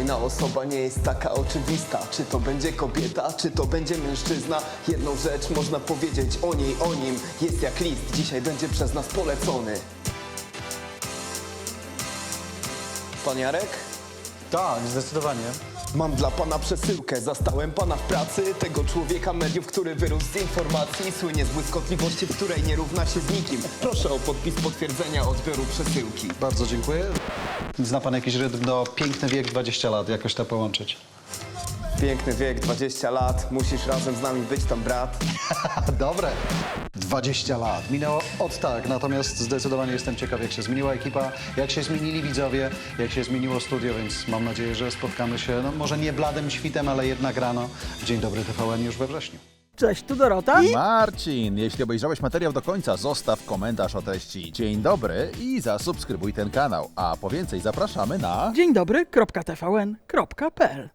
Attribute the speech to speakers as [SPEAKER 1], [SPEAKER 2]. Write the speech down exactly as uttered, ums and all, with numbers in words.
[SPEAKER 1] Kolejna osoba nie jest taka oczywista. Czy to będzie kobieta, czy to będzie mężczyzna? Jedną rzecz można powiedzieć o niej, o nim. Jest jak list, dzisiaj będzie przez nas polecony. Pan Jarek?
[SPEAKER 2] Tak, zdecydowanie.
[SPEAKER 1] Mam dla pana przesyłkę, zastałem pana w pracy. Tego człowieka mediów, który wyrósł z informacji. Słynie z błyskotliwości, w której nie równa się z nikim. Proszę o podpis potwierdzenia odbioru przesyłki.
[SPEAKER 2] Bardzo dziękuję. Zna pan jakiś rytm do piękny wiek dwadzieścia lat, jakoś to połączyć?
[SPEAKER 1] Piękny wiek, dwadzieścia lat. Musisz razem z nami być tam, brat.
[SPEAKER 2] Dobre. dwadzieścia lat. Minęło od tak, natomiast zdecydowanie jestem ciekaw, jak się zmieniła ekipa, jak się zmienili widzowie, jak się zmieniło studio, więc mam nadzieję, że spotkamy się, no może nie bladym świtem, ale jednak rano w Dzień Dobry T V N już we wrześniu.
[SPEAKER 3] Cześć, tu Dorota.
[SPEAKER 4] Marcin, jeśli obejrzałeś materiał do końca, zostaw komentarz o treści dzień dobry i zasubskrybuj ten kanał. A po więcej zapraszamy na...
[SPEAKER 3] Dzień dobry, kropka T V N, kropka P L.